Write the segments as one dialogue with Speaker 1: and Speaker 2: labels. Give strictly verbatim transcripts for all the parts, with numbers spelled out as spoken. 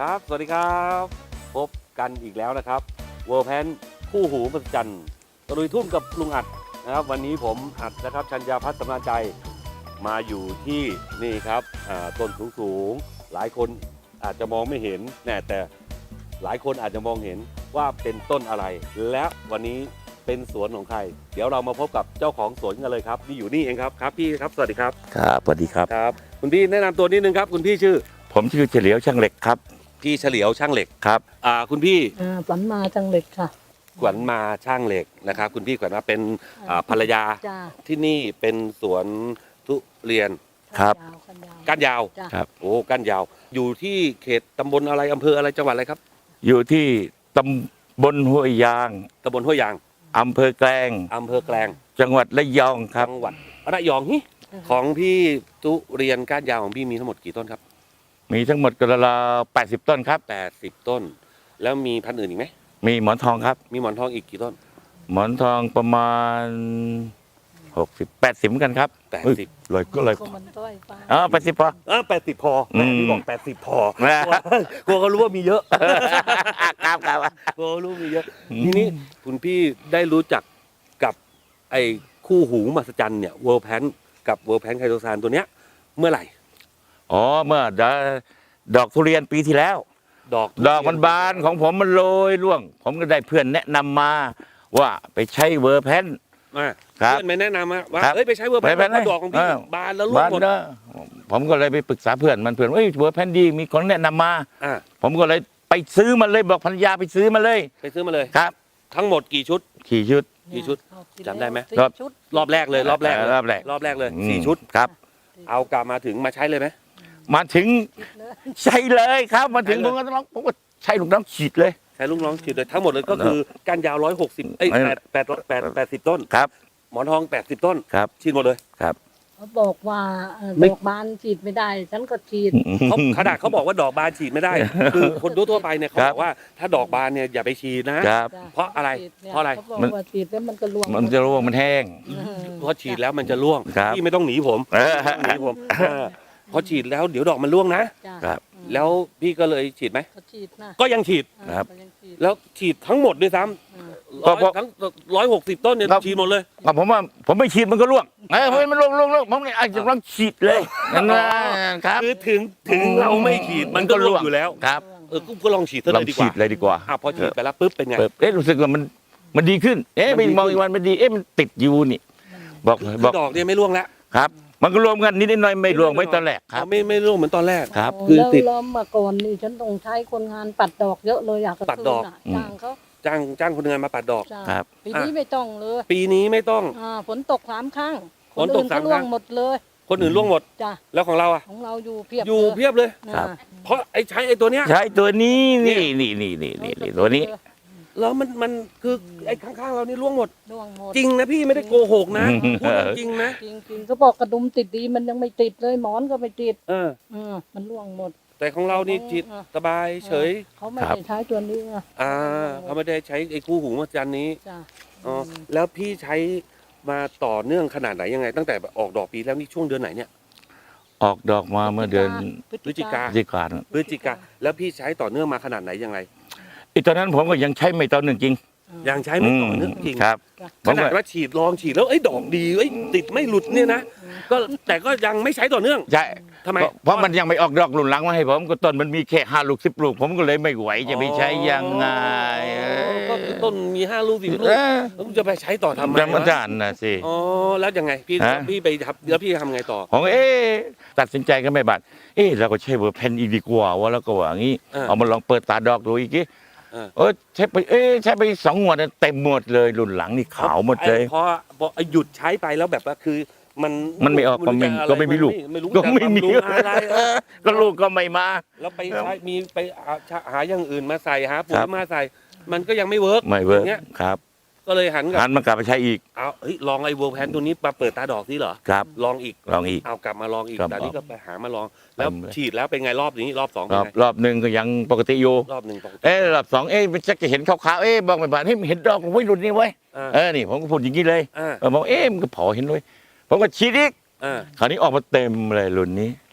Speaker 1: ครับสวัสดีครับพบกันอีกแล้วนะครับเวิร์แพนคู่หูมหัศจรรย์ตะลุยทุ่งกับลุงอัดนะครับวันนี้ผมอัดนะครับชัญญาพัฒน์สำราญใจมาอยู่ที่นี่ครับต้นสูงสูงหลายคนอาจจะมองไม่เห็นแน่แต่หลายคนอาจจะมองเห็นว่าเป็นต้นอะไรและวันนี้เป็นสวนของใครเดี๋ยวเรามาพบกับเจ้าของสวนกันเลยครับนี่อยู่นี่เองครับครับพี่ครับสวัสดีครับ
Speaker 2: ครับสวัสดีครับ
Speaker 1: ครับคุณพี่แนะนำตัวนิดนึงครับคุณพี่ชื่อ
Speaker 2: ผมชื่อเฉลียวช่างเหล็กครับ
Speaker 1: พี่เฉลียวช่างเหล็ก
Speaker 2: ครับ
Speaker 1: อ่าคุณพี่
Speaker 3: ขวัญมาช่างเหล็กค่ะ
Speaker 1: ขวัญมาช่างเหล็กนะครับคุณพี่ขวัญมาเป็นภรรยาที่นี่เป็นสวนทุเรียน
Speaker 2: ครับ
Speaker 1: ก้านยาว
Speaker 2: ครับ
Speaker 1: โอ้ก้านยาวอยู่ที่เขตตำบลอะไรอำเภออะไรจังหวัดอะไรครับ
Speaker 2: อยู่ที่ตำบลห้วยยาง
Speaker 1: ตำบลห้วยยาง
Speaker 2: อำเภอแกลง
Speaker 1: อำเภอแกลง
Speaker 2: จังหวัดระยองครับ
Speaker 1: จังหวัดระยองฮิของพี่ทุเรียนก้านยาวของพี่มีทั้งหมดกี่ต้นครับ
Speaker 2: มีทั้งหมดกระลาแปดสิบต้นครับ
Speaker 1: แปดสิบต้นแล้วมีพันธุ์อื่นอีกไหม
Speaker 2: มีหมอนทองครับ
Speaker 1: มีหมอนทองอีกกี่ต้น
Speaker 2: หมอนทองประมาณหกสิบแปดสิบกันครับ
Speaker 1: แปดสิบ
Speaker 2: เลยก็เลยอ๋อแปดสิบพอ
Speaker 1: เออแปดสิบพอแม่พี่บอกแปดสิบพอกลัวเขารู้ว่ามีเยอะ
Speaker 2: ครับครับ
Speaker 1: กลัวรู้มีเยอะทีนี้คุณพี่ได้รู้จักกับไอ้คู่หูมหัศจรรย์เนี่ยเวิร์แพนกับเวิร์แพนไคโตซานตัวเนี้ยเมื่อไหร่
Speaker 2: อ๋อเมื่อดอกทุเรียนปีที่แล้ว
Speaker 1: ดอก
Speaker 2: ดอกมันบานของผมมันโรยร่วงผมก็ได้เพื่อนแนะนำมาว่าไปใช้เวอร์แพน
Speaker 1: เพื่อนไม่แนะนำว่าเอ้ยไปใช้เวอร์แพนดอกของพี่บานแล้วร่วงหมด
Speaker 2: ผมก็เลยไปปรึกษาเพื่อนมันเพื่อนว่าเวอร์แพนดีมีคนแนะนำมาผมก็เลยไปซื้อมันเลยบอกภรรยาไปซื้อมาเลย
Speaker 1: ไปซื้อมาเลย
Speaker 2: ครับ
Speaker 1: ทั้งหมดกี่ชุด
Speaker 2: กี่ชุด
Speaker 1: กี่ชุดจำได้ไหม
Speaker 2: รอบ
Speaker 1: รอบแรกเลยรอบแรก
Speaker 2: รอบแรก
Speaker 1: รอบแรกเลยสี่ชุด
Speaker 2: ครับ
Speaker 1: เอากลับมาถึงมาใช้เลยไหม
Speaker 2: มาถึงใช้เลยครับมาถึงผมก็ต้องผมก็ใช้ลูกน้องฉีดเลย
Speaker 1: ใช้ลูกน้องฉีดเลยทั้งหมดเลยก็คือก้านยาวร้อยหกสิบเอ้ยแปดแปดแปดแปดสิบต้น
Speaker 2: ครับ
Speaker 1: หมอนทองแปดสิบต้น
Speaker 2: ครับ
Speaker 1: ฉีดหมดเลย
Speaker 2: ครับ
Speaker 3: เขาบอกว่าดอกบานฉีดไม่ได้ฉันก็ฉีด
Speaker 1: เขาขนาดเขาบอกว่าดอกบานฉีดไม่ได้คือคนทั่วไปเนี่ยเขาบอกว่าถ้าดอกบานเนี่ยอย่าไปฉีดนะเพราะอะไรเพราะอะไร
Speaker 3: มันฉีดแล้วมันก็ร่วง
Speaker 2: มันจะร่วงมันแห้ง
Speaker 1: เพราะฉีดแล้วมันจะร่วงพี่ไม่ต้องหนีผมหนีผมพอฉีดแล้วเดี๋ยวดอกมันร่วงนะครับแล้วพี่ก็เลยฉีดไหมก็ยังฉีด
Speaker 2: ครับ
Speaker 1: แล้วฉีดทั้งหมดด้วยซ้ำทั้งร้อยหกสิบต้นเนี่ยฉีดหมดเลย
Speaker 2: ผมว่าผมไม่ฉีดมันก็ร่วงเฮ้ยมันร่วงร่วงร่วงผมเลยอาจจะต้องฉีดเลยนะครับ
Speaker 1: คือถึงถึงเราไม่ฉีดมันก็ร่วงอยู่แล้ว
Speaker 2: ครับ
Speaker 1: เออก็ลองฉีดเลยดีกว่า
Speaker 2: ฉีดเลยดีกว่า
Speaker 1: อ่ะพอฉีดไปแล้วปุ๊บเป็นไง
Speaker 2: เอ๊ะรู้สึกว่ามันมันดีขึ้นเอ๊ะไปมองอีกวันมันดีเอ๊ะมันติดอยู่นี่บอก
Speaker 1: บอกดอกเนี่ยไม่ร่วงแล้ว
Speaker 2: ครับมันก็รวมกันนิดหน่อยไม่รวมไม่ตอนแรกครับ
Speaker 1: ไม่ไม่ร่วงเหมือนตอนแรก
Speaker 2: ครับ
Speaker 3: คือติดแล้วมาก่อนนี่ฉันต้องใช้คนงานปัดดอกเยอะเลยอยาก
Speaker 1: ปัดดอก
Speaker 3: จ้างเขา
Speaker 1: จ้างจ้างคนงานมาปัดดอก
Speaker 2: ครับ
Speaker 3: ปีนี้ไม่ต้องเลย
Speaker 1: ปีนี้ไม่ต้อง
Speaker 3: อ่าฝนตกสามครั้ง
Speaker 1: ฝนตกสามครั้ง
Speaker 3: หมดเลย
Speaker 1: คนอื่นร่วงหมด
Speaker 3: จ้ะ
Speaker 1: แล้วของเราอ่ะ
Speaker 3: ของเราอยู่เพียบ
Speaker 1: อยู่เพียบเลย
Speaker 2: ครับ
Speaker 1: เพราะไอ้ใช้ไอ้ตัวเนี้ย
Speaker 2: ใช้ตัวนี้นี่นี่นี่นี่นี่ตัวนี้
Speaker 1: แล้วมันมันคือไอ้ข้างๆเรานี่ร่วงหมด
Speaker 3: ร่วงหมด
Speaker 1: จริงนะพี่ไม่ได้โกหกนะพูดจริงนะ
Speaker 3: จริงๆเขาบอกกระดุมติดดีมันยังไม่ติดเลยหมอนก็ไม่ติด
Speaker 1: เออ
Speaker 3: เออมันร่วงหมด
Speaker 1: แต่ของเรานี่จิตสบายเฉย
Speaker 3: เขาไม่ได้ใช้ตัวนี้
Speaker 1: อ่าเขาไม่ได้ใช้ไอ้คู่หูมหัศจรรย์นี้อ๋อแล้วพี่ใช้มาต่อเนื่องขนาดไหนยังไงตั้งแต่ออกดอกปีแล้วนี่ช่วงเดือนไหนเนี่ย
Speaker 2: ออกดอกมาเมื่อเดือน
Speaker 1: พฤศจิกา
Speaker 2: พฤศจิกา
Speaker 1: พฤศจิกาแล้วพี่ใช้ต่อเนื่องมาขนาดไหนยังไง
Speaker 2: อีตอนนั้นผมก็ยังใช้ไม่ต่อเนื่องจริง
Speaker 1: ยังใช้ไม่ต่อเนื่องจริง
Speaker 2: ครับ
Speaker 1: ขนาดว่าฉีดลองฉีดแล้วไอ้ดอกดีไอ้ติดไม่หลุดเนี่ยนะก็แต่ก็ยังไม่ใช้ต่อเนื่อง
Speaker 2: ใช่
Speaker 1: ทำไม
Speaker 2: เพราะมันยังไม่ออกดอกหลุนหลังมาให้ผมก็ต้นมันมีแค่ห้าลูกสิบลูกผมก็เลยไม่ไหวจะไปใช้ยังไง
Speaker 1: ก็ต้นมีห้าลูกสิบลูกแล้วจะไปใช้ต่อทำไม
Speaker 2: ธรรมดาน่ะสิ
Speaker 1: อ๋อแล้วยังไงพี่พี่ไปทำแล้วพี่ทำไงต่อ
Speaker 2: ของเอ๊ตัดสินใจกันไม่บาดเอ๊เราก็ใช้เวอร์แพนอีกดีกว่าว่าแล้วก็ว่างี้เอามาลองเปิดตาดอกดูอีกทีเออใช้ไปเอ๊ใช้ไปสองงวดเต็มหมดเลยรุ่นหลังนี่ขาวหมดเลย
Speaker 1: เพราะหยุดใช้ไปแล้วแบบว่าคือมัน
Speaker 2: มันไม่ออกมันก็ไม่มีลูกก็ไม่มี
Speaker 1: อะไร
Speaker 2: ก็ลูกก็ไม่มา
Speaker 1: แล้วไปใช้มีไปหาอย่างอื่นมาใส่หาปุ๋ยมาใส่มันก็ยังไม่เวิร์ก
Speaker 2: ไม่เวิร์กครับ
Speaker 1: ก็เลยหัน
Speaker 2: หันมากลับไปใช้อีก
Speaker 1: เอาเฮ้ยลองไอ้เวิร์กแพนตัวนี้มาเปิดตาดอกนี่เหรอ
Speaker 2: ครับ
Speaker 1: ลองอีก
Speaker 2: ลองอีก
Speaker 1: เอากลับมาลองอีกแต่นี่ก็ไปหามาลองแล้วฉีดแล้วเป็นไงรอบนี้รอบสอง
Speaker 2: รอบรอบหนึ่งก็ยังปกติอยู่
Speaker 1: รอบหนึ่งปกติ
Speaker 2: เอ๊รอบสองเอ๊มันจะเห็นขาวๆเอ๊บอกไม่บาดเฮ้ยเห็นดอกไม่หลุดนี่ไว้เออนี่ผมก็พูดอย่างนี้เลยเออบอกเอ๊มันก็พอเห็นด้วยผมก็ฉีดอีกคราวนี้ออกมาเต็มเลยรุ่นนี้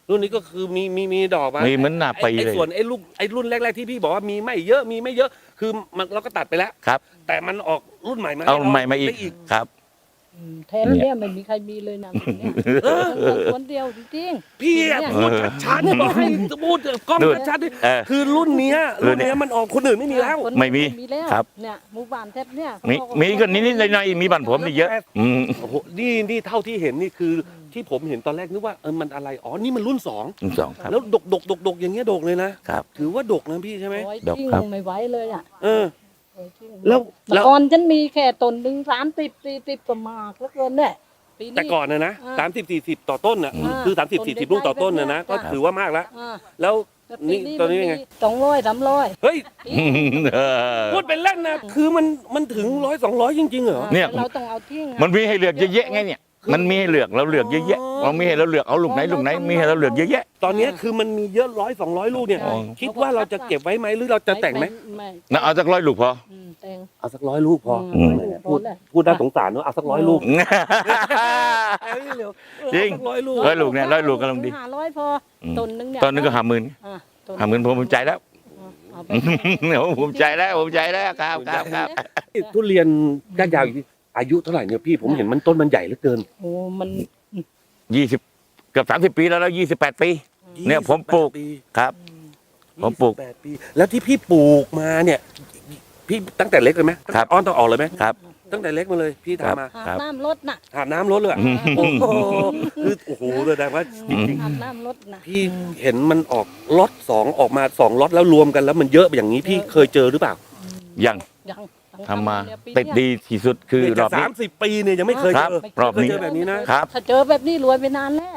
Speaker 1: รุ่นนี้ก็คือมีมีมีดอกมา
Speaker 2: มีเหมือนหน้าปี
Speaker 1: ไอ้
Speaker 2: เลย
Speaker 1: ส่วนไอ้ลูกไอ้รุ่นแรกๆที่พี่บอกว่ามีไม่เยอะมีไม่เยอะคือมันเราก็ตัดไปแล้ว
Speaker 2: ครับ
Speaker 1: แต่มันออกรุ่นใหม่มา
Speaker 2: เอา
Speaker 1: ให้ร
Speaker 2: ใหม่มาอีก
Speaker 1: ได้อีก
Speaker 2: ครับ
Speaker 3: อืมแทนเนี่ยไม่มีใครมีเลยนะแบบเนี่ยคนเดียวจริง
Speaker 1: พี่อะ
Speaker 3: เนี่ย
Speaker 1: พูดชัดๆบอกให้พูดกล้อง
Speaker 2: นู่น
Speaker 1: ชัด
Speaker 2: เออ
Speaker 1: ๆคือรุ่นเนี้ย
Speaker 2: รุ่
Speaker 1: รุ่
Speaker 2: น
Speaker 1: น
Speaker 2: เนี้ย
Speaker 1: เนี้ยมันออกคนอื่นไม่มีแล้ว
Speaker 3: คน
Speaker 2: ไม่มี
Speaker 3: มีแล้ว
Speaker 2: ครับ
Speaker 3: เนี่ยหมู่บ้านแทบเนี่ย
Speaker 2: มีมีก็นิดๆหน่อยๆมีบ้านผมนี่เยอะ อืม
Speaker 1: โอ้โหนี่นี่เท่าที่เห็นนี่คือที่ผมเห็นตอนแรกนึกว่าเออมันอะไรอ๋อนี่มันรุ่นสอง
Speaker 2: สองครับ
Speaker 1: แล้วดกดกดกดกอย่างเงี้ยดกเลยนะครับ ถือว่าดกนะพี่ใช่ไหม
Speaker 3: โอ้ย
Speaker 2: ดอก
Speaker 3: จริง
Speaker 2: ครับ
Speaker 3: ไม่ไหวเลยอ่ะ
Speaker 1: เออ
Speaker 3: โอ้ยจริง
Speaker 1: แล้ว
Speaker 3: เมื่
Speaker 1: แล้
Speaker 3: อ
Speaker 1: ว
Speaker 3: ก่อนฉันมีแค่ต้นหนึ่งสามสิบสี่สิบก็มากแล้วเกินเนี่ยปีนี้
Speaker 1: แต่ก่อนนะนะ
Speaker 3: อ่า
Speaker 1: สามสิบสี่สิบต่อต้นน่ะ
Speaker 3: อ่า
Speaker 1: คือสามสิบสี่สิบลูกต่อต้นน่ะนะ
Speaker 3: ต้
Speaker 1: ก็
Speaker 3: นเล็กๆ
Speaker 1: ถือว่ามากแล้ว
Speaker 3: อ่า
Speaker 1: แล้ว
Speaker 3: แต่
Speaker 1: นี่ตอนนี้เป็นไง
Speaker 3: สองร้อยสามร้อย
Speaker 1: เฮ้ย
Speaker 2: เออ
Speaker 1: พูดเป็นเล่นนะคือมันมันถึงร้อยสองร้อยจริงๆเหรอ
Speaker 2: เนี่ย
Speaker 3: เราต้องเอาทิ้งอะ
Speaker 2: มันมีให้เลือกเยอะแยะไงเนี่ย มันมีให้เลือกเราเลือกเยอะแยะเรามีให้เราเลือกเอาลูกไหนลูกไหนมีให้เราเลือกเยอะแยะ
Speaker 1: ตอนนี้คือมันมีเยอะร้อยสองร้อยลูกเนี่ย
Speaker 2: อ๋อ
Speaker 1: คิดว่าเราจะเก็บไว้ไหมหรือเราจะแต่งไหม
Speaker 3: ไม่
Speaker 2: นะเอาสักร้อยลูกพอ
Speaker 3: อืมแต่ง
Speaker 1: เอาสักร้อยลูกพอ
Speaker 3: อืม
Speaker 1: พูด
Speaker 3: พอแล้ว
Speaker 1: พูดน่าสงสารเนอะเอาสักร้อยลูก
Speaker 2: จริง
Speaker 1: เอาสักร้อยลูก
Speaker 2: ร้อยลูกเนี่ยร้อยลูกกำลังดี
Speaker 3: ห้าร้อยพออ
Speaker 2: ม
Speaker 3: ต้นหนึงเนี่ย
Speaker 2: ตอนนึงก็ห้าหมื่น
Speaker 3: อ่ะต้
Speaker 2: ห้าหมื่นผมภูมิใจแล้ว
Speaker 3: เอาไป
Speaker 2: ผมภูมิใจแล้วภูมิใจแล้วครับครับครับ
Speaker 1: ทุเรียนก้านยาวอยู่ที่อายุเท่าไหร่เนี่ยพี่ผมเห็นมันต้นมันใหญ่เหลือเกิน
Speaker 3: โอ้มัน
Speaker 2: ยี่สิบเกือบสามสิบปีแล้วแล้วยี่สิบแปดปี เนี่ยผมปลูก
Speaker 1: ยี่สิบแปดปี
Speaker 2: ครับ ผมปลูก
Speaker 1: ยี่สิบแปดปีแล้วที่พี่ปลูกมาเนี่ย พี่ตั้งแต่เล็กเลยไหม
Speaker 2: ครับ
Speaker 1: อ้อนต้องออกเลยไหม
Speaker 2: ครับ
Speaker 1: ตั้งแต่เล็กมาเลย พี่
Speaker 2: ครับ
Speaker 1: ทำมา
Speaker 3: อาบน้ำรถน่ะ
Speaker 1: อาบน้ำรถเลยอะ
Speaker 2: อืม
Speaker 1: โอ้โหคือโอ้โหแสดงว่าจริง
Speaker 3: อาบน้ำรถน่ะ
Speaker 1: ๆพี่เห็นมันออกล็อตสองออกมาสองล็อตแล้วรวมกันแล้วมันเยอะอย่างนี้พี่เคยเจอหรือเปล่า
Speaker 2: ยัง
Speaker 3: ยัง
Speaker 2: ทำมา
Speaker 3: เนี่ยปี
Speaker 2: ติด
Speaker 3: เนี้ย
Speaker 2: ดีที่สุดคือ
Speaker 1: เนี่ย
Speaker 2: ร
Speaker 1: จา
Speaker 2: อก บ
Speaker 1: สา
Speaker 2: นี้
Speaker 1: มสิบปีเนี่ยยังไม่เคย
Speaker 2: ค
Speaker 1: เจ
Speaker 2: รับ
Speaker 1: อ
Speaker 2: รอบนี้
Speaker 1: เคยเจอแบบนี้นะ
Speaker 2: ครับ
Speaker 3: ถ้าเจอแบบนี้รวยไปนานแล้ว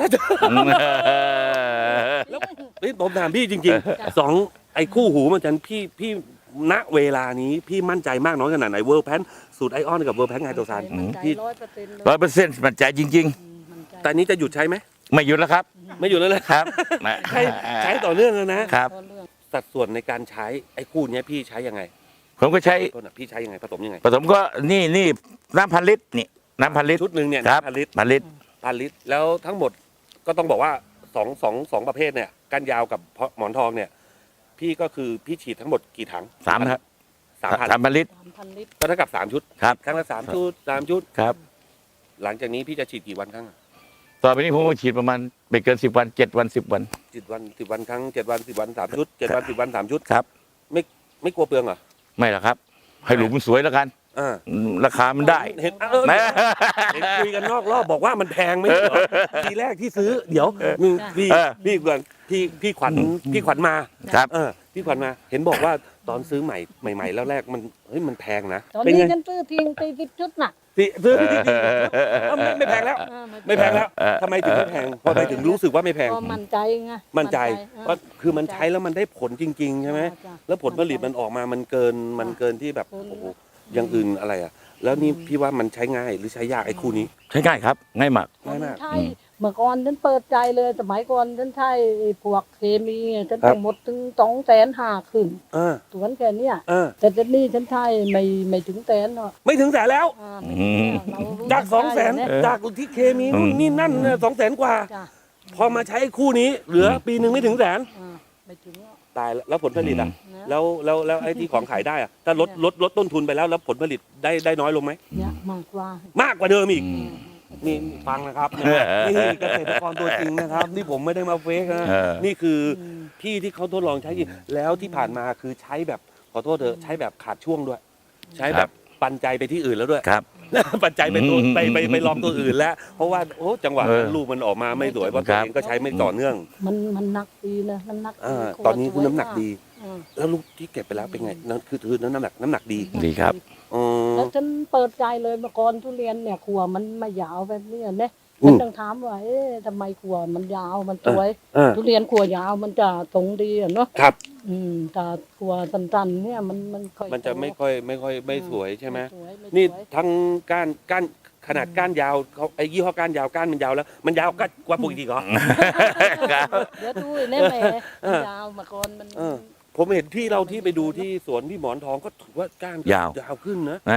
Speaker 1: แล้วเฮ้ยผมถามพี่จริงๆสองไอ้คู่หูมันจันพี่พี่ณเวลานี้พี่มั่นใจมากน้อยขนาดไหนเวิร์แพนสูตรไอออนกับเวิร์แพนไงตัวซาน
Speaker 3: มั่นใจ
Speaker 1: พี่
Speaker 3: ร้อยเปอร์เซ็นต์เลย
Speaker 2: ร้อยเปอร์เซ็นต์มันใจจริง
Speaker 3: อืมมั่นใจ
Speaker 1: แต่นี้จะหยุดใช้ไหม
Speaker 2: ๆ ไม่หยุดแล้วครับ
Speaker 1: ไม่หยุดแล้วเลย
Speaker 2: ครับ
Speaker 1: ใช้ใช้ต่อเนื่องเลยนะครับ
Speaker 3: พอเรื่อง
Speaker 1: สัดส่วนในการใช้ไอ้คู่เนี้ยพี่ใช้ยังไง
Speaker 2: ผมก็ใช้
Speaker 1: ต้นอะพี่ใช้ยังไงผสมยังไง
Speaker 2: ผสมก็นี่นี่น้ำพันลิตรนี่น้ำพันลิตร
Speaker 1: ชุดหนึ่งเนี่ย
Speaker 2: ครับ
Speaker 1: พันลิตร
Speaker 2: พันลิตร
Speaker 1: พันลิตรแล้วทั้งหมดก็ต้องบอกว่าสองสองสองประเภทเนี่ยก้านยาวกับหมอนทองเนี่ย พี่ก็คือพี่ฉีดทั้งหมดกี่ถัง
Speaker 2: สามครับ
Speaker 1: สามพัน
Speaker 2: สามพันลิตร
Speaker 3: สามพันลิตร
Speaker 1: ก็เท่ากับสามชุด
Speaker 2: ครับ
Speaker 1: ครั้งละสามชุดสามชุด
Speaker 2: ครับ
Speaker 1: หลังจากนี้พี่จะฉีดกี่วันครั้งอะ
Speaker 2: ต่อไปนี้ผมก็ฉีดประมาณไม่เกินสิบวันเจ็ดวันสิบวัน
Speaker 1: สิบวันสิบวันครั้งเจ็ดวันสิบวันสามชุดเจ็ดวันสิบวันสามชุด
Speaker 2: ครับ
Speaker 1: ไม่ไม่กลัวเปลืองเหรอ
Speaker 2: ไม่หรอกครับ ให้หลุมมันสวยแล้วกัน
Speaker 1: อ่า
Speaker 2: อืมราคามันได้
Speaker 1: เห็นเออ
Speaker 2: นะ
Speaker 1: เห็นคุยกันนอกรอบบอกว่ามันแพงไหมเหรอทีแรกที่ซื้อ เดี๋ยวมึงพี่
Speaker 2: เออ
Speaker 1: พี่ก่อนพี่พี่ขวัญพี่ขวัญมา
Speaker 2: ครับ
Speaker 1: เออพี่ขวัญมา เห็นบอกว่าตอนซื้อใหม่ใหม่ๆแล้วแรกมันเฮ้ยมันแพงนะ
Speaker 3: ตอน
Speaker 1: เป็น
Speaker 3: นี้
Speaker 1: ไง
Speaker 3: ฉันซื้อทิ้งตีสิบชุดน่ะ
Speaker 1: สิซื้อพี่ที่ไม่ไม่แพงแล้ว
Speaker 3: อ่า
Speaker 1: ไม่แพงแล้ว
Speaker 2: เออ
Speaker 1: ทำไมถึงไม่แพงเพราะทำไมถึงรู้สึกว่าไม่แพง
Speaker 3: ก็มั่นใจไง
Speaker 1: มั่นใจ
Speaker 3: อ่า
Speaker 1: ว่าคือมันใช้แล้วมันได้ผลจริง ๆ ใช่ไหม
Speaker 3: จ้ะ
Speaker 1: แล้วผลผลิตมันออกมามันเกินมันเกินที่แบบ
Speaker 3: เกิน
Speaker 1: โอ้โหอย่างอื่นอะไรอ่ะ แล้วนี่พี่ว่ามันใช้ง่ายหรือใช้ยากไอ้คู่นี้
Speaker 2: ใช้ง่ายครับ ง่ายมาก
Speaker 1: ง่ายมาก
Speaker 3: ใช่เมื่อก่อนฉันเปิดใจเลยสมัยก่อนฉันใช้ไอ้พวกเคมีฉัน
Speaker 1: ครับ
Speaker 3: ต้องหมดถึงสองแสนห้าขึ้น
Speaker 1: เออ
Speaker 3: สวนแค่เนี้ย
Speaker 1: เออ
Speaker 3: แต่ตอนนี้ฉันใช้ไม่ไม่ถึงแสนหรอก
Speaker 1: ไม่ถึงแสนแล้ว
Speaker 3: อ่าไม่ถึงแล้วเรารู้
Speaker 1: จากสองแสน
Speaker 3: ได้
Speaker 1: จากที่เคมีนู่นนี่นั่นสองแสนกว่า
Speaker 3: จ้ะ
Speaker 1: พอมาใช้คู่นี้เหลือปีหนึ่งไม่ถึงแสน
Speaker 3: อ่าไม่ถึงหรอก
Speaker 1: ตายแล้วแล้วผลผลิตอ่ะ
Speaker 3: นะ
Speaker 1: แล้วแล้วแล้วไอ้ที่ของขายได้อ่ะถ้าลดลดลดต้นทุนไปแล้วแล้วผลผลิตได้ได้น้อยลงไหม
Speaker 3: เนี่ยมากกว่า
Speaker 1: มากกว่าเดิมอีก
Speaker 2: อืม
Speaker 1: นี่ฟังนะครับนี่เกษตรกรตัวจริงนะครับ นี่ผมไม่ได้มาเฟกนะ
Speaker 2: เออ
Speaker 1: นี่คือ
Speaker 3: ม
Speaker 1: พี่ที่เขาทดลองใช้จริงแล้วที่ผ่านมาคือใช้แบบขอโทษเถอะใช้แบบขาดช่วงด้วย ใช้แบบปันใจไปที่อื่นแล้วด้วย
Speaker 2: ครับ
Speaker 1: ปัจจัยไปตัว
Speaker 2: อืม
Speaker 1: ไปไปไปลองตัวอื่นแล้ว เพราะว่าโอ้จังหวะ
Speaker 2: เออ
Speaker 1: ลูกมันออกมาไม่สวยเพราะ
Speaker 2: ค
Speaker 1: ตัว
Speaker 2: รับ
Speaker 1: เองก็ใช้ไม่ต่อเนื่อง
Speaker 3: มันมันหนักดีนะน้ำหนัก
Speaker 1: อ่า
Speaker 3: ดี
Speaker 1: ตอนนี้คือ
Speaker 3: สวย
Speaker 1: น้ำหนักดี
Speaker 3: อ่า
Speaker 1: แล้วลูกที่เก็บไปแล้วเป็นไงนั่นคือคือน้ำหนักน้ำหนักดี
Speaker 2: ดีครับ
Speaker 1: อ๋อ
Speaker 3: แล้วฉันเปิดใจเลยเมื่อก่อนทุเรียนเนี่ยขัวมันไม่ยาวแบบเนี้ยเนี่ย
Speaker 1: อื
Speaker 3: ฉัน
Speaker 1: ม
Speaker 3: ต้องถามว่าเอ๊ะทำไมขัวมันยาวมันสวย
Speaker 1: อ่า
Speaker 3: ทุเรียนขัวยาวมันจะทรงดีอะเนาะ
Speaker 1: ครับ
Speaker 3: อืมแต่ขัวสั้นๆเนี่ยมันมันค่อย
Speaker 1: มันจะไม่ค่อยไม่ค่อยไม่สวยใช่ไหม
Speaker 3: สวยไม่สวย
Speaker 1: นี่ทั้งก้านก้านขนาดก้านยาวเขาไอ้ยี่ห้อก้านยาวก้านมันยาวแล้ว มันยาวกกว่าปกติเหรอ
Speaker 3: เดี๋ยวดูแน่แหม่
Speaker 1: เออ
Speaker 3: ยาวเมื่อก่อนมัน
Speaker 1: เออ ผมเห็นพี่เราที่ไปดูที่สวนพี่หมอนทองก็ถือว่าก้าน
Speaker 2: ยาว
Speaker 1: ยาวขึ้นนะ
Speaker 2: นะ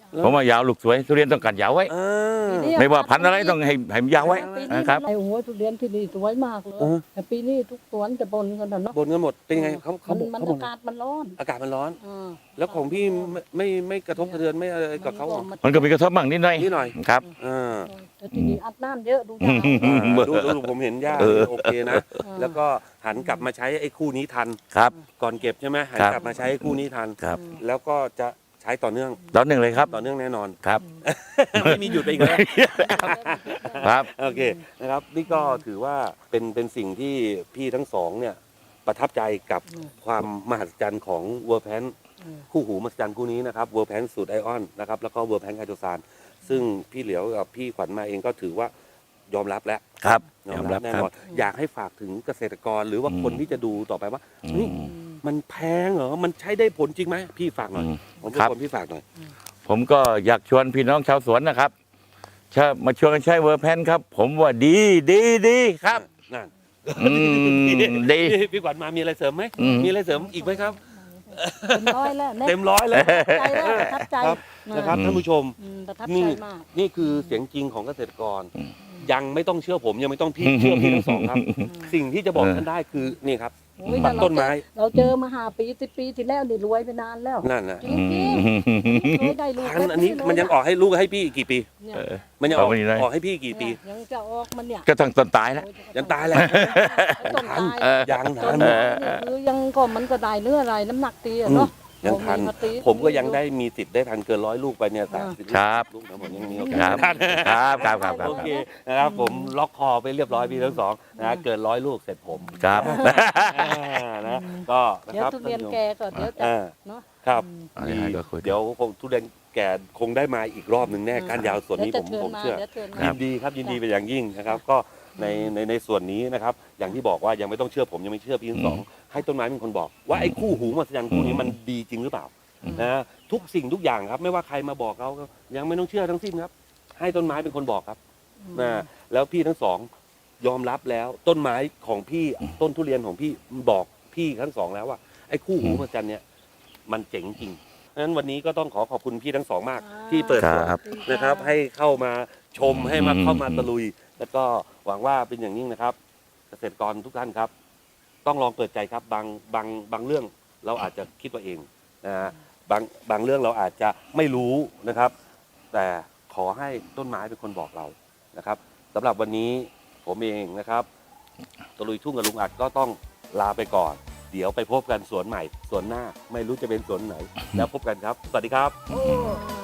Speaker 2: ผมว่ายาวลูกสวยทุเรียนต้องกัดยาวไว้
Speaker 1: เออ
Speaker 2: ไม่ว่าพันธุ์อะไรต้องให้ให้มันยาวไว้
Speaker 3: ปีนี้
Speaker 2: นะครับ
Speaker 3: ไอ้โอ้โหทุเรียนที่นี่สวยมากเลย
Speaker 1: เออ
Speaker 3: แต่ปีนี้ทุกสวนจะบนกันนะเนาะ
Speaker 1: บนกันหมดเป็นยังไงเขาเขา
Speaker 3: มัน
Speaker 1: บอก
Speaker 3: มัน
Speaker 1: เขาบ
Speaker 3: อา
Speaker 1: อก
Speaker 3: กาศมันร้อน
Speaker 1: อากาศมันร้อน
Speaker 3: เออ
Speaker 1: แล้วของพี่ไม่ไม่ไม่กระทบกระเทือนไม่อะไรกับเขาเหรอ
Speaker 2: มันก็มีกระทบบ้างนิดหน่อย
Speaker 1: นิดหน่อย
Speaker 2: ครับ
Speaker 1: เออ
Speaker 3: แต่ทีนี้อัดน้ำเยอะดูยาว
Speaker 2: อืม
Speaker 1: ดูดูดูผมเห็นย่า
Speaker 2: เออ
Speaker 1: โอเคนะ แล้วก็หันกลับมาใช้ไอ้คู่นี้ทัน
Speaker 2: ครับ
Speaker 1: ก่อนเก็บใช่ไหมหัน
Speaker 2: ครับ
Speaker 1: กลับมาใช้ไอ้คู่นี้ทัน
Speaker 2: ครับ
Speaker 1: แล้วก็จะใช้ต่อเนื่อง
Speaker 2: ตอนหนึ่งเลยครับ
Speaker 1: ต่อเนื่องแน่นอน
Speaker 2: ครับ
Speaker 1: ไม่มีหยุดไปอีกแล้ว
Speaker 2: ครับ
Speaker 1: โอเคนะครับ นี่ก็ถือว่าเป็นเป็นสิ่งที่พี่ทั้งสองเนี่ยประทับใจกับความมหัศจรรย์ของเวอร์แพนคู่หูมหัศจรรย์คู่นี้นะครับเวอร์แพนสูตรไอออนนะครับแล้วก็เวอร์แพนไฮโดรซานซึ่งพี่เหลียวกับพี่ขวัญมาเองก็ถือว่ายอมรับแล้ว
Speaker 2: ครับ
Speaker 1: ย
Speaker 2: ย
Speaker 1: อ
Speaker 2: อ
Speaker 1: ม
Speaker 2: ม
Speaker 1: รั
Speaker 2: รั
Speaker 1: บบ แน่
Speaker 2: ครั
Speaker 1: น
Speaker 2: บ
Speaker 1: อนอยากให้ฝากถึงเกษตรกรหรือว่า
Speaker 2: อืม
Speaker 1: คนที่จะดูต่อไปว่า
Speaker 2: อื
Speaker 1: เฮ้ย
Speaker 2: ม
Speaker 1: มันแพงเหรอมันใช้ได้ผลจริงไหมพี่ฝากหน่อย
Speaker 2: อืม
Speaker 1: ผมเป็น
Speaker 2: ครับ
Speaker 1: คนพี่ฝากหน่อย
Speaker 2: ผมก็อยากชวนพี่น้องชาวสวนนะครับชามาชวนกันใช้เวอร์แพนครับ ผมว่าดีดีดีครับ
Speaker 1: นั่น
Speaker 2: อืมดี
Speaker 1: พี่พี่ขวัญมามีอะไรเสริมไหม
Speaker 2: อืม
Speaker 1: มีอะไรเสริมอีกไหมครับ
Speaker 3: เต็มร้อยแล้วนี่ย
Speaker 1: เต็มร้อยเลย
Speaker 3: ใจแล้วประทับใจ
Speaker 1: ครับนะครับ
Speaker 2: อืม
Speaker 1: ท่านผู้ชม
Speaker 3: อืมประทับ
Speaker 1: นี่
Speaker 3: ใจมาก
Speaker 1: นี่คือเสียงจริงของเกษตรกร
Speaker 2: อืม
Speaker 1: ยังไม่ต้องเชื่อผมยังไม่ต้องพี่เชื่อพี่ทั้งสองครับ สิ่งที่จะบอก
Speaker 2: เออ
Speaker 1: ท่านได้คือนี่ครับ
Speaker 3: โอ้ย
Speaker 1: ตัดต้นไม้
Speaker 3: เราเจอมาห้าปีสิบปีที่แล้วนี่รวยไปนานแล้ว
Speaker 1: นั่นนะ
Speaker 3: จริงๆเคยได้ลูก
Speaker 1: พันธุ์อันนี้มันยังออกให้ลูกให้พี่อีกกี่ปี
Speaker 3: เนี่ย
Speaker 2: เออ
Speaker 1: มันยังออก
Speaker 2: เอาไปนี่เลย
Speaker 1: ออกให้พี่กี่ปี
Speaker 3: เนี่ยยังจะออกมันเนี่ย
Speaker 2: ก็ต้องต้นตายแล้ว
Speaker 1: ยังตายแหละ
Speaker 3: ต้นตาย
Speaker 2: เออ
Speaker 1: ยัง
Speaker 3: ต้
Speaker 1: ทั
Speaker 3: น
Speaker 1: น
Speaker 3: ไม้เนี่ยคือยังก็มันก็ได้เนื้ออะไรน้ำหนักตีอะเนาะ
Speaker 1: ยังทัน
Speaker 3: เอาาตี
Speaker 1: ผมก็ยังได้มีติดได้ทันเกินร้อยลูกไปเนี่ยสามสิบ
Speaker 2: ครับ
Speaker 1: ลูกนะผมยังมีโอกา
Speaker 2: ครั
Speaker 1: ส
Speaker 2: บครับครับครับครับ
Speaker 1: โอเคนะครับผมล็อกคอไปเรียบร้อยพี่ทั้งสองนะเกินร้อยลูกเสร็จผม
Speaker 2: ครับ
Speaker 1: อ่านะก็นะ
Speaker 3: เดี๋ย
Speaker 1: คว รับ
Speaker 3: ทุเรียนแกก็เดี๋ยวจะ
Speaker 1: อ่า
Speaker 3: เนาะ
Speaker 1: ครับ
Speaker 2: อันนี้ให้ก็คุย
Speaker 1: เดี๋ยวคงทุเรียนแก่คงได้มาอีกรอบหนึ่งแน่การยาวส่วนนี้ผม
Speaker 3: ดี๋ย
Speaker 1: ผ
Speaker 3: จะ
Speaker 1: ม
Speaker 3: ชิญา
Speaker 1: เชื่อ
Speaker 3: ดี๋ยวชิญมา
Speaker 1: ยินดีครับยินดีเป็นอย่างยิ่งนะครับ ก็ในในในส่วนนี้นะครับ อย่างที่บอกว่ายังไม่ต้องเชื่อผมยังไม่เชื่อพี่ทั้งสองให้ต้นไม้เป็นคนบอก ว่าไอ้คู่หูมหัศจรรย์คู่นี้มันดีจริงหรือเปล่านะทุกสิ่งทุกอย่างครับ ไม่ว่าใครมาบอกเขาก็ยังไม่ต้องเชื่อทั้งสิ้นครับ ให้ต้นไม้เป็นคนบอกครับนะแล้วพี่ทั้งสองยอมรับแล้วต้นไม้ของพี่ต้นทุเรียนของพี่บอกพี่ทั้งสองแล้วว่าไอ้คู่หูมหัศจรรย์เนี่ยมันเจ๋งจริงเพราะฉะนั้นวันนี้ก็ต้องขอขอบคุณพี่ทั้งสองมาก ที่เปิดสวน
Speaker 2: ครับ
Speaker 1: นะครับให้เข้ามาชมให้มา
Speaker 2: อืม
Speaker 1: เข้ามาตะลุย แล้วก็หวังว่าเป็นอย่างยิ่งนะครับ เกษตรกรทุกท่านครับ ต้องลองเปิดใจครับบางบางบางเรื่องเราอาจจะคิดว่าเองนะฮะบางบางเรื่องเราอาจจะไม่รู้นะครับ แต่ขอให้ต้นไม้เป็นคนบอกเรานะครับสำหรับวันนี้ผมเองนะครับตะลุยทุ่งกับลุงอัดก็ต้องลาไปก่อน เดี๋ยวไปพบกันสวนใหม่สวนหน้า ไม่รู้จะเป็นสวนไหน แล้วพบกันครับ สวัสดีครับ
Speaker 3: โอ้